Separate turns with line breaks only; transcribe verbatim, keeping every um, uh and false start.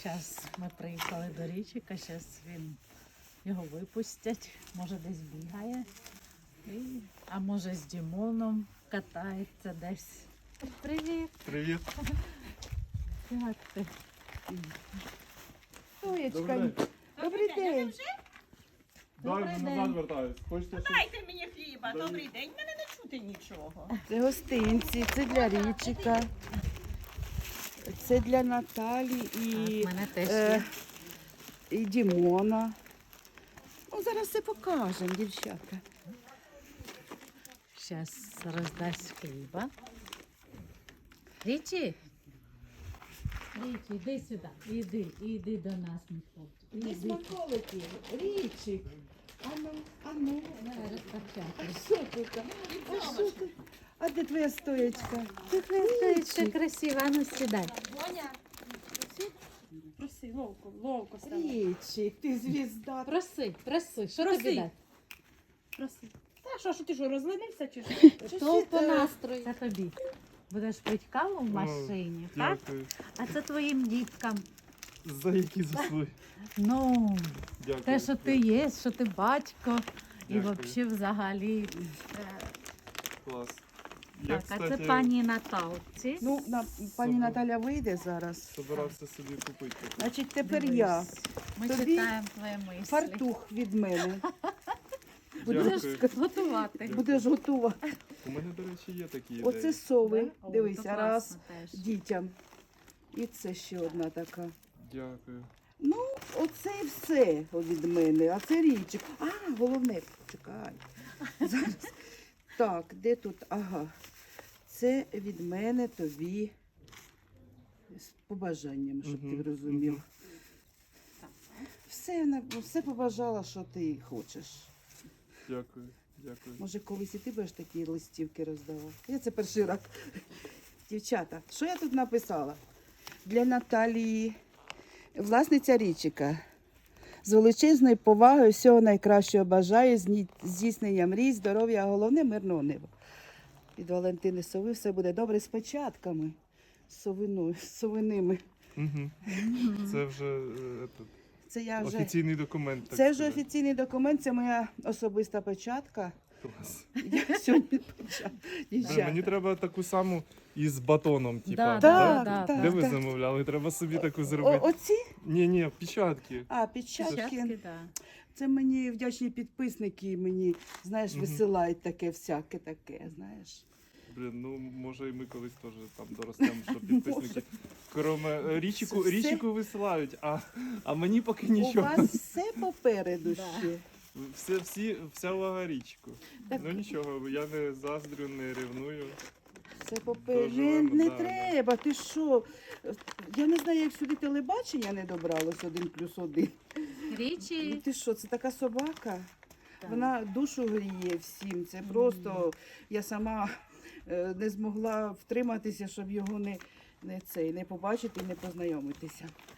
Зараз ми приїхали до Річика, зараз він його випустять, може десь бігає, і, а може з Дімоном катається десь. Привіт!
Привіт!
Як ти?
Соєчка,
Добрий
добрий день.
Дай
Добрий
вже
день.
назад вертаюсь. Хочете щось?
Дайте мені хліба,
Дай.
добрий день, мене не чути нічого.
Це гостинці, це для Річика, це для Наталі і,
У мене теж
е,
є.
і Дімона. Ну, зараз все покажемо, дівчата.
Зараз роздасть хліба. Річі? Річі, іди сюди. Іди, іди до нас, мій хлопчик. Іди.
смаколики, Річик. Ану, ану.
Давай розпочати.
А що тут? А що тут? А де твоя стоєчка?
Це
Річик.
красиво, а ну сідай.
Проси, ловко, ловко
Річик, ти звізда.
Проси, проси, що
Проси.
тобі дати?
Проси. Та що, що ти що, розленився чи що?
То
ще
по
ти?
настрою. Це тобі. Будеш пити каву в машині, так?
Дякую.
А це твоїм діткам.
За які заслуги.
Ну,
Дякую.
те, що ти є, що ти батько. І
Дякую.
взагалі взагалі. е,
Клас. Я,
Так, а це
кстати,
пані Наталці.
Ну, на, пані
Собі.
Наталя вийде зараз.
собирався собі купити.
Значить, тепер
Дивись.
я.
Ми
Тобі
читаємо твої мислі.
Фартух від мене.
Будеш
Дякую.
готувати.
Дякую.
Будеш готова.
У мене, до речі, є такі ідеї.
Оце сови.
Да? О,
Дивися,
то
раз
класно теж.
дітям. І це ще одна така.
Дякую.
Ну, оце і все від мене. А це Річик. А, головне, чекай. Зараз. Так, де тут? Ага. Це від мене тобі з побажанням, щоб ти
Мгм,
розумів.
мгм.
Все, вона- все побажала, що ти хочеш.
Дякую. Дякую.
Може, колись і ти будеш такі листівки роздавати. Я це перший раз. Дівчата, що я тут написала? Для Наталії, власниця Річика. З величезною повагою всього найкращого бажаю, зні- здійснення мрій, здоров'я, а головне мирного неба. Від Валентини Сови все буде добре з печатками, з совиною, з совиними.
Угу. Це вже е, етот,
Це я вже.
офіційний документ. Так
Це вже
сказати.
офіційний документ, це моя особиста печатка.
Клас.
Я сьогодні печатка.
Блін, мені треба таку саму із батоном, типа.
Да,
Так,
да,
так,
Де ви
так.
замовляли? Треба собі таку
О,
зробити.
оці?
Ні, ні, печатки.
А, печатки.
Щастки, да.
Це мені вдячні підписники, мені, знаєш,
Мгм.
висилають таке, всяке таке, знаєш.
Блін, ну може і ми колись теж там доростемо, що підписники. Кроме е, річику,
Це все?
річику висилають, а, а мені поки
У
нічого.
вас все попереду
Да.
ще.
Все, всі, вся увага річку.
Так.
Ну нічого, я не заздрю, не ревную.
Все попереду. Не,
Доживемо,
не
да, да.
треба, ти що? Я не знаю, як сюди телебачення не добралось один плюс один. Ну,
Річі.
ти що, це така собака?
Так.
Вона душу гріє всім. Це просто я сама е, не змогла втриматися, щоб його не, не, цей, не побачити і не познайомитися.